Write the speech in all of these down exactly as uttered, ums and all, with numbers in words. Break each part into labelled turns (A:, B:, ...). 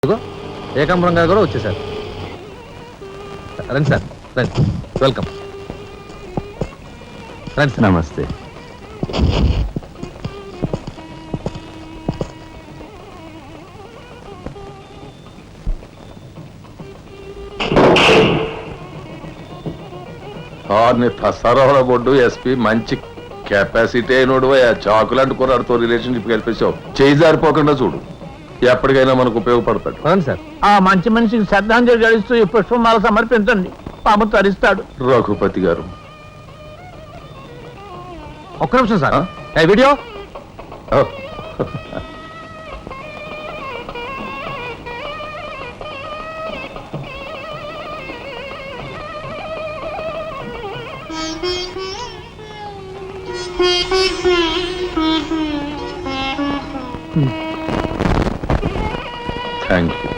A: ఇదిగో ఏకాంబరం గారు కూడా వచ్చేసారు. రండి సార్, రండి, వెల్కమ్. రండి సార్.
B: నమస్తే.
C: సరవల బొడ్డు ఎస్పీ మంచి కెపాసిటీ అయినోడు చాకులాంటి కుర్రాడితో రిలేషన్షిప్ కల్పించావు. చేయి జారిపోకుండా చూడు, ఎప్పటికైనా మనకు ఉపయోగపడతాడు.
A: రండి సార్.
D: ఆ మంచి మనిషికి శ్రద్ధాంజలి గడిస్తూ ఈ పుష్పమాల సమర్పించండి, పాము తరిస్తాడు.
C: రఘుపతి గారు
A: ఒక్క నిమిషం సార్. ఏ వీడియో
C: ఓ, థ్యాంక్ యూ.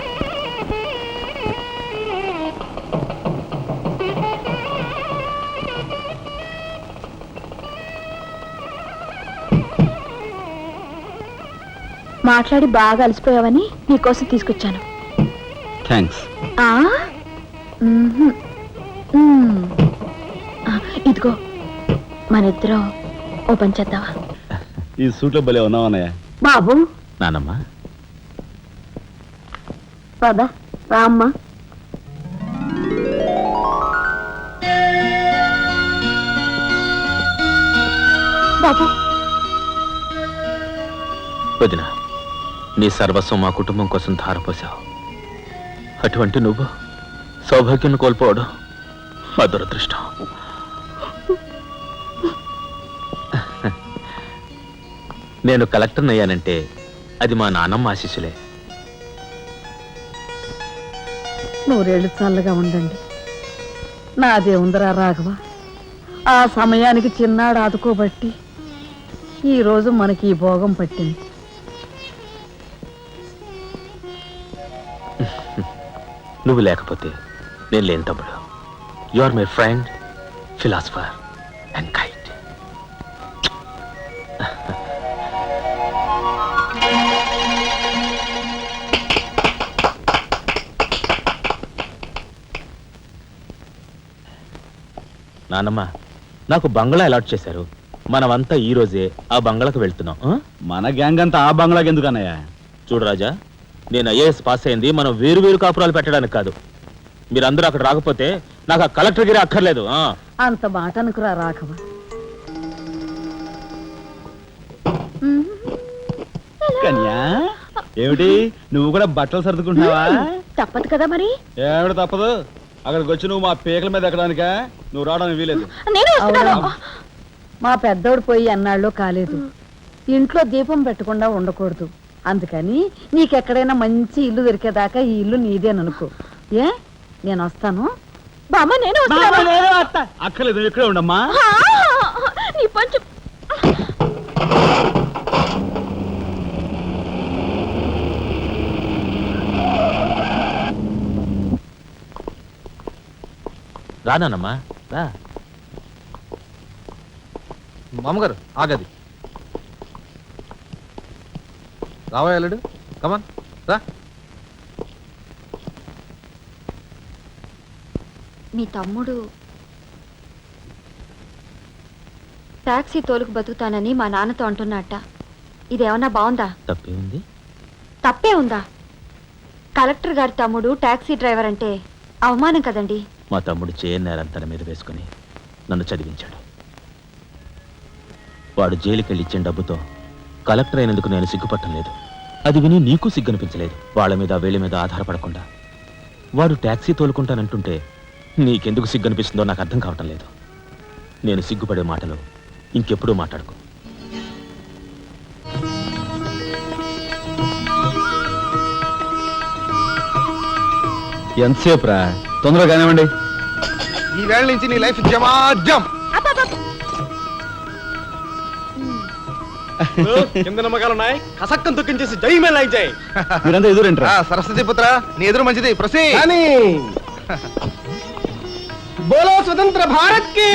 E: మాట్లాడి బాగా అలసిపోయావని నీకోసం తీసుకొచ్చాను.
B: థ్యాంక్స్.
E: ఆ? మ్మ్హ్మ్. మ్మ్. ఆ, ఇదిగో మన ఇద్దరం ఓ పని చేద్దావా?
B: ఈ సూట్లో భలే ఉన్నావన్నయ్య.
E: బాబు
B: నానమ్మ,
E: పద రామ్మ. బాబు
F: వదిన, నీ సర్వస్వం మా కుటుంబం కోసం ధారపోసావు. అటువంటి నువ్వు సౌభాగ్యం కోల్పోవడం మా దురదృష్టం. నేను కలెక్టర్ని అయ్యానంటే అది మా నాన్నమ్మ ఆశీస్సులే.
D: నూరేళ్ళు చల్లగా ఉండండి. నాదే ఉందరా రాఘవ, ఆ సమయానికి చిన్నాడు ఆదుకోబట్టి ఈరోజు మనకి ఈ భోగం పట్టింది.
F: నువ్వు లేకపోతే నేను లేని తమ్ముడు. You are my friend, philosopher and guide. నాన్నమ్మ, నాకు బంగ్లా అలాట్ చేశారు. మనమంతా ఈ రోజే ఆ బంగ్లాకు వెళ్తున్నాం. ఆ?
B: మన గ్యాంగ్ అంతా ఆ బంగ్లాకి ఎందుకు అన్నయ్య?
F: చూడు రాజా, నేను ఐఏఎస్ పాస్ అయింది మనం వేరు వేరు కాపురాలు పెట్టడానికి కాదు. మీరందరూ అక్కడ రాకపోతే నాకు ఆ కలెక్టర్ గిరి అక్కర్లేదు. ఆ
D: అంత మాట అనుకురా రాఘవ.
B: కన్యా, ఏమిటి నువ్వు కూడా బట్టలు సర్దుకుంటున్నావా?
E: తప్పదు కదా మరి.
B: ఏమిటి తప్పదు? అక్కడికి వచ్చి నువ్వు మా పీకల మీద ఎక్కడానికా? నువ్వు రావడానికి వీలేదు.
E: నేను వస్తున్నాను.
D: అవునా? మా పెద్దోడు పోయి అన్నాళ్ళు కాలేదు. ఇంట్లో దీపం పెట్టకుండా ఉండకూడదు. అందుకని నీకెక్కడైనా మంచి ఇల్లు దొరికేదాకా ఈ ఇల్లు నీదేననుకో. ఏ నేను వస్తాను.
E: బామ్మ నేను వస్తున్నాను.
B: అక్కర్లేదు, ఇక్కడే ఉండమ్మా.
E: ఆ, నీ పంచు
F: రానానమ్మా, రా.
A: మామగారు ఆగది. రావా వెళ్ళడు, కమాన్ రా.
E: మీ తమ్ముడు టాక్సీ తోలుకు బతుకుతానని మా నాన్నతో అంటున్నట్ట. ఇదేమన్నా బాగుందా?
F: తప్పే ఉంది.
E: తప్పే ఉందా? కలెక్టర్ గారి తమ్ముడు టాక్సీ డ్రైవర్ అంటే అవమానం కదండి.
F: మా తమ్ముడు చేయనేరం తన మీద వేసుకుని నన్ను చదివించాడు. వాడు జైలుకెళ్ళి ఇచ్చిన డబ్బుతో కలెక్టర్ అయినందుకు నేను సిగ్గుపట్టం లేదు. అది విని నీకు సిగ్గనిపించలేదు. వాళ్ళ మీద వీళ్ళ మీద ఆధారపడకుండా వాడు ట్యాక్సీ తోలుకుంటానంటుంటే నీకెందుకు సిగ్గనిపిస్తుందో నాకు అర్థం కావటం లేదు. నేను సిగ్గుపడే మాటలు ఇంకెప్పుడూ మాట్లాడుకో.
B: ఎంతసేపు రా? తొందరగా కానివ్వండి.
A: ఈ వేళ నుంచి నీ లైఫ్ జమాజం.
G: కింద నమ్మకాలు ఉన్నాయి, కసక్కం తొక్కించేసి జై మే లైక్ జై.
B: మీరంతా ఎదురేంట్రా?
A: సరస్వతి పుత్ర, నీ ఎదురు మంచిది. ప్రసీ
G: బోలో స్వతంత్ర భారత్ కి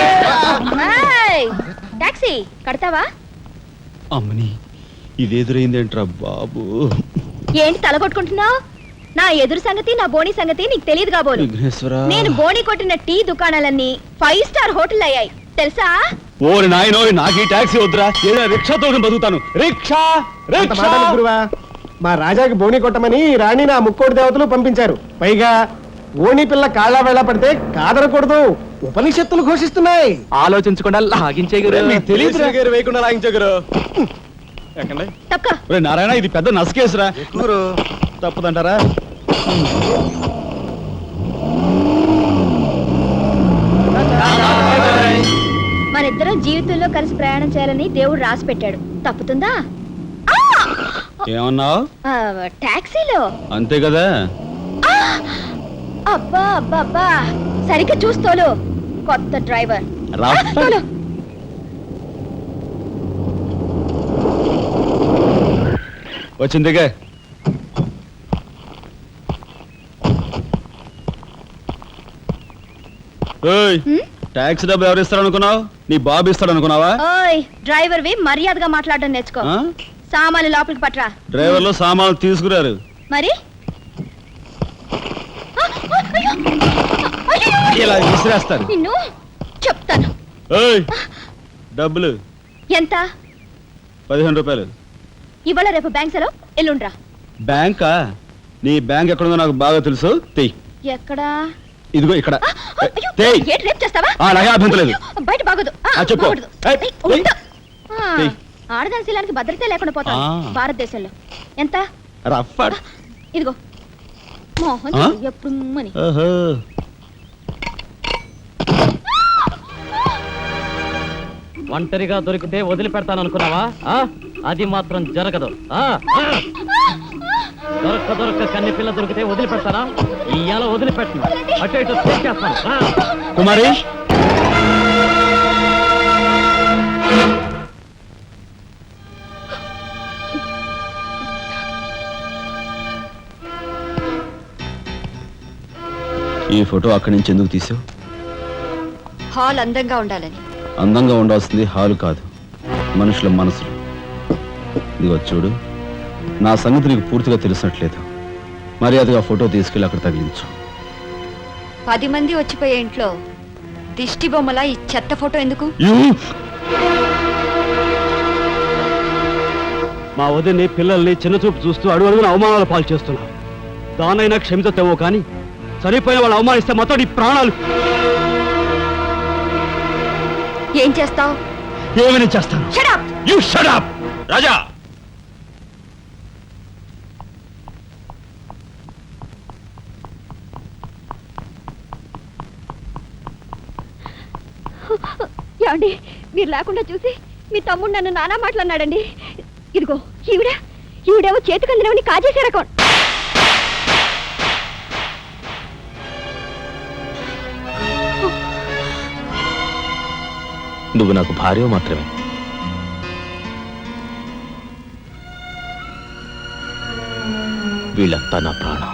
E: టాక్సీ కడతావా?
B: అమ్మని, ఇది ఎదురైందేంట్రా బాబు?
E: ఏంటి తలగొట్టుకుంటున్నావు? నా ఎదురు సంగతి నా బోని సంగతి నీకు తెలియదు కాబోలు. నేను బోని కొట్టిన టీ దుకాణాలన్నీ ఫైవ్ స్టార్ హోటల్ అయ్యాయి తెలుసా?
B: ఓరి నాయనో, నాకు ఈ టాక్సీ వద్దురా, ఏదో రిక్షాతో బతుకుతాను. రిక్షా
G: అంత మాట అనకు గురువా. మా రాజాకి బోని కొట్టమని రాణి నా ముక్కోటి దేవతలు పంపించారు. పైగా ఓణి పిల్ల కాళ్ళ వేళ పడితే కాదనకూడదు, ఉపనిషత్తులు ఘోషిస్తున్నాయి.
F: ఆలోచించకుండా లాగించే
B: మీకు తెలియదు
G: గారు వేయకుండా లాగించగరు. ఎక్కండి.
E: తప్పక
B: ఒరే నారాయణ, ఇది పెద్ద నసకేసురా.
A: గురు
B: తప్పదంటారా?
E: మనిద్దరం జీవితంలో కలిసి ప్రయాణం చేయాలని దేవుడు రాసి పెట్టాడు. తప్పుతుందా?
B: ఏమన్నావు?
E: ఆ, టాక్సీలో.
B: అంతే కదా.
E: అబ్బా అబ్బా అబ్బా, సరిగ్గా చూస్తోలు. కొత్త డ్రైవర్.
B: రా.
E: ఆ, తోలు.
B: వచ్చిందిగా. ఏయ్,
E: హ్మ్?
B: ట్యాక్సీ డబ్బులు ఎవరు ఇస్తారు అనుకున్నావు? నీ బాబు ఇస్తాడు అనుకున్నావా?
E: ఓయ్ డ్రైవర్ వి మర్యాదగా మాట్లాడడం నేర్చుకో.
B: ఆ?
E: సామాన్లు లోపలికి పట్రా.
B: డ్రైవర్లు సామాన్లు తీసుకురారు.
E: మరి ఆ, ఆ, అయ్యో! అయ్యో!
B: ఇలా విసిరేస్తారు.
E: నిన్ను చెప్తాను.
B: ఏయ్, డబ్బులు
E: ఎంత?
B: పదిహేను రూపాయలు.
E: ఇవాళ రేపు బ్యాంక్ సెలవు, ఎల్లుండ్రా.
B: బ్యాంకా? నీ బ్యాంక్ ఎక్కడుందో నాకు బాగా తెలుసు. తెయ్.
E: ఎక్కడా?
B: ఇదిగో ఇక్కడ.
E: ఆ, ఆ, అయ్యో!
B: తెయ్.
E: ఏంటి రేపు చేస్తావా?
B: ఆ, నాకే అభ్యంతరం లేదు.
E: అయ్యో, బయట బాగోదు. ఆ,
B: ఆ, చెప్పు.
E: బాగోదు.
B: ఏయ్,
E: ఏయ్, ఉండు. ఆ,
B: ఏయ్.
E: ఆడదాని శీలానికి భద్రత లేకుండా పోతాం
B: ఆ.
E: భారతదేశంలో. ఎంత?
B: Rough at.
E: ఇదిగో మోహన్
B: ఆ?
E: ఎప్పుడు మని.
B: ఓహో.
H: ఒంటరిగా దొరికితే వదిలిపెడతాను అనుకున్నావా? ఆ? అది మాత్రం జరగదు. ఆ? ఆ? దొరక్క దొరక్క కన్ని పిల్ల దొరికితే వదిలిపెడతానా? ఇయ్యాల వదిలిపెట్టను. అటు ఇటు చేస్తాను.
B: కుమారి, ఈ ఫోటో అక్కడి నుంచి ఎందుకు తీసావు?
E: హాల్ అందంగా ఉండాలని.
B: అందంగా ఉండాల్సింది హాలు కాదు, మనుషుల మనసులు. ఇదిగో చూడు, నా సంగతి నీకు పూర్తిగా తెలిసినట్లేదు. మర్యాదగా ఫోటో తీసుకెళ్ళి అక్కడ తగిలించు.
E: పది మంది వచ్చిపోయే ఇంట్లో దిష్టి బొమ్మల ఈ చెత్త ఫోటో ఎందుకు?
H: మా వదిని పిల్లల్ని చిన్నచూపు చూస్తూ అడుగు అడుగున అవమానాలు పాలు చేస్తున్నావు. దానైనా క్షమితేమో కానీ చనిపోయిన వాళ్ళు అవమానిస్తే మొత్తం నీ ప్రాణాలు.
E: ఏం చేస్తావు?
B: ఏమైనా చేస్తాను. You shut up! రాజా,
E: ఏమండి, మీరు లేకుండా చూసి మీ తమ్ముడు నన్ను నానా మాట్లాడినాడండి. ఇదిగో ఈవిడ ఈవిడేమో చేతికి అందినవని కాజేసే రకం.
F: నువ్వు నాకు భార్య మాత్రమే. వీళ్ళంతా నా ప్రాణం.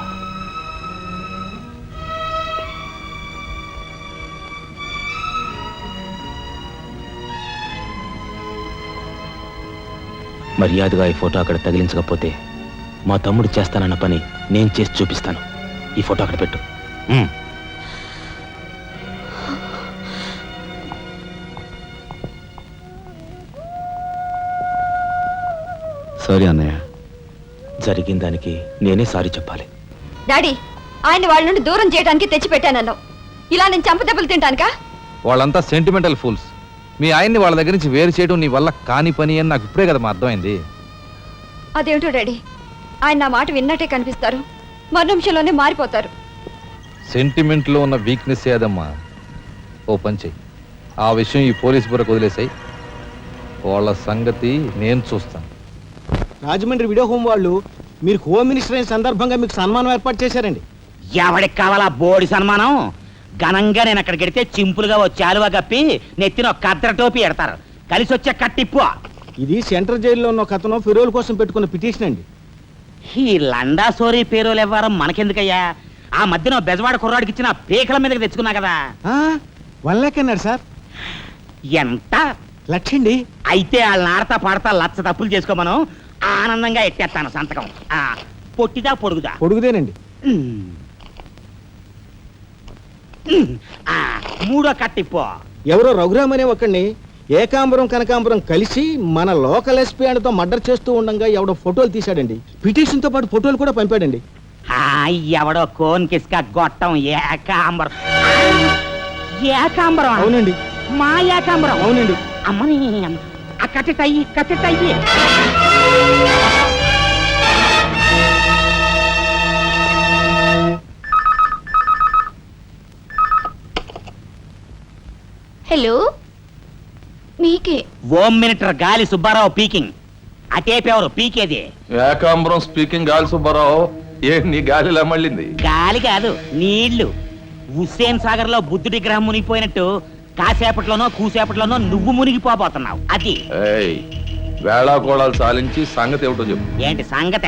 F: మర్యాదగా ఈ ఫోటో అక్కడ తగిలించకపోతే మా తమ్ముడు చేస్తానన్న పని నేను చేసి చూపిస్తాను. ఈ ఫోటో అక్కడ పెట్టు. ఉమ్.
B: సారీ అన్నయ్య.
F: జరిగిన దానికి నేనే సారీ చెప్పాలి.
E: డాడీ, ఆయన వాళ్ళ నుండి దూరం చేయడానికి తెచ్చిపెట్టానన్నావు. ఇలా నేను చంపదెబ్బలు తింటానుకా?
A: వాళ్ళంతా సెంటిమెంటల్ ఫూల్స్. మీ ఆయన్ని వాళ్ళ దగ్గర నుంచి వేరు చేయడం నీ వల్ల కాని పని అని నాకు ఇప్పుడే కదా మా అర్థమైంది.
E: అదేమిటో డాడీ, ఆయన నా మాట విన్నట్టే కనిపిస్తారు, మరు నిమిషంలోనే మారిపోతారు.
A: సెంటిమెంట్లో ఉన్న వీక్నెస్ ఏదమ్మా. ఓ పని చెయ్యి, ఆ విషయం ఈ పోలీస్ బుర్రకు వదిలేసాయి. వాళ్ళ సంగతి నేను చూస్తాను.
G: రాజమండ్రి వీడియో హోమ్ వాళ్ళు మీరు హోమ్ మినిస్టర్ అయిన సందర్భంగా మీకు సన్మానం ఏర్పాటు చేశారండి.
I: ఎవడికి కావాలా బోడి సన్మానం? ఘనంగా నేను అక్కడికి వెడితే చింపులుగా ఓ చాలువా కప్పి నెత్తిన ఒక కద్దర టోపీ ఎడతారు. కలిసి వచ్చే కట్టిప్పు.
G: ఇది సెంట్రల్ జైల్లో ఉన్న ఒక అతను ఫిరోల్ కోసం పెట్టుకున్న పిటిషన్ అండి.
I: ఈ లండా సోరీ పేరోలు ఇవ్వడం మనకెందుకయ్యా? ఆ మధ్యన ఓ బెజవాడ కుర్రాడికి ఇచ్చిన పీకల మీదకి తెచ్చుకున్నా కదా.
G: వన్ లాక్ అన్నాడు సార్.
I: ఎంత
G: లక్షండి.
I: అయితే వాళ్ళని ఆడతా పాడతా లచ్చ తప్పులు చేసుకోమను, ఆనందంగా ఎట్టేస్తాను సంతకం. ఆ, పొట్టిదా పొడుగుదా
G: పొడుగుదేనండి.
I: ఉమ్. ఉమ్. ఆ, మూడో కట్టిపో.
J: ఎవరో రఘురామ్ అనే ఒకడిని ఏకాంబరం కనకాంబరం కలిసి మన లోకల్ ఎస్పీ తో మర్డర్ చేస్తూ ఉండగా ఎవడో ఫోటోలు తీశాడండి. పిటిషన్ తో పాటు ఫోటోలు కూడా పంపాడండి.
I: ఆ, ఎవడో కోన్ కిస్క గొట్టం ఏకాంబరం. ఏకాంబరం
J: అవునండి,
I: మా ఏకాంబరం
J: అవునండి.
I: అమ్మని అమ్మ. ఆ కట్టెటయ్యి కట్టెటయ్యి.
E: హలో మీకే
I: home minister Gali Subbarao speaking. అటేపెవరు పీకేది?
C: ఏకాంబరం స్పీకింగ్ గాలి సుబ్బారావు. ఏ నీ గాలిలా మళ్ళింది?
I: గాలి కాదు, నీళ్లు. హుస్సేన్ సాగర్ లో బుద్ధుడి గ్రహం మునిగిపోయినట్టు కాసేపట్లోనో కూసేపట్లోనో నువ్వు మునిగిపోబోతున్నావు. అది
C: ఏయ్, వేళాకోళాలు సాలించి సంగతి ఏమిటో చెప్పు.
I: ఏంటి సంగత?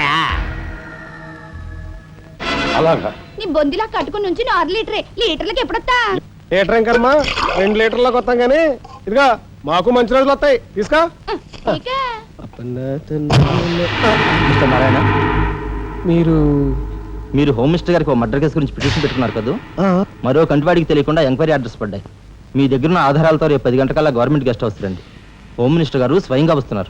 C: అలాగా?
E: నీ బొందిలా కట్టుకుని నుంచి ఆరు లీటరే లీటర్లకి ఎప్పుడొస్తా?
G: లీటర్ ఇంకమ్మా, రెండు లీటర్లకు వస్తాం కానీ ఇదిగా మాకు మంచి రోజులు వస్తాయి. తీసుకో.
E: ఇకే.
J: మిస్టర్ నారాయణ,
G: మీరు
J: మీరు హోమ్ మినిస్టర్ గారికి ఒక మర్డర్ కేసు గురించి పిటిషన్ పెట్టుకున్నారు కదా. మరో కంటివాడికి తెలియకుండా ఎంక్వైరీ అడ్రస్ పడ్డాయి. మీ దగ్గర ఉన్న ఆధారాలతో రేపు పది గంటకల్లా గవర్నమెంట్ గెస్ట్ హౌస్ రండి. హోమ్ మినిస్టర్ గారు స్వయంగా వస్తున్నారు.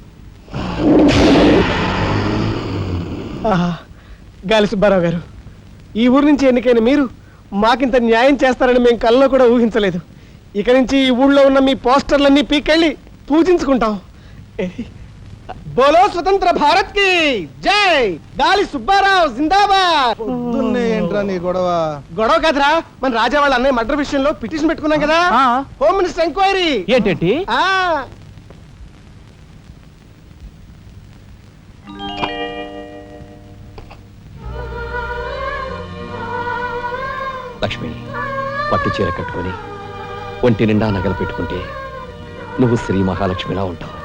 G: ఆహా, గాలి సుబ్బారావు గారు, ఈ ఊరు నుంచి ఎన్నికైన మీరు మాకింత న్యాయం చేస్తారని మేము కల్లో కూడా ఊహించలేదు. ఇక నుంచి ఈ ఊళ్ళో ఉన్న మీ పోస్టర్లన్నీ పీకెళ్ళి పూజించుకుంటాం. బోలో స్వతంత్ర భారత్ కి జై. గాలి సుబ్బారావు జిందాబాద్.
J: ఏంట్రా నీ గొడవ?
G: గొడవ కాదురా, మన రాజా వాళ్ళ అన్నయ్య మర్డర్ విషయంలో పిటిషన్ పెట్టుకున్నాం కదా. Home minister enquiry.
H: ఏంటంటే
G: ఆ
H: లక్ష్మి, పట్టు చీర కట్టుకొని ఒంటి నిండా నగలు పెట్టుకుంటే నువ్వు శ్రీ మహాలక్ష్మిలా ఉంటావు.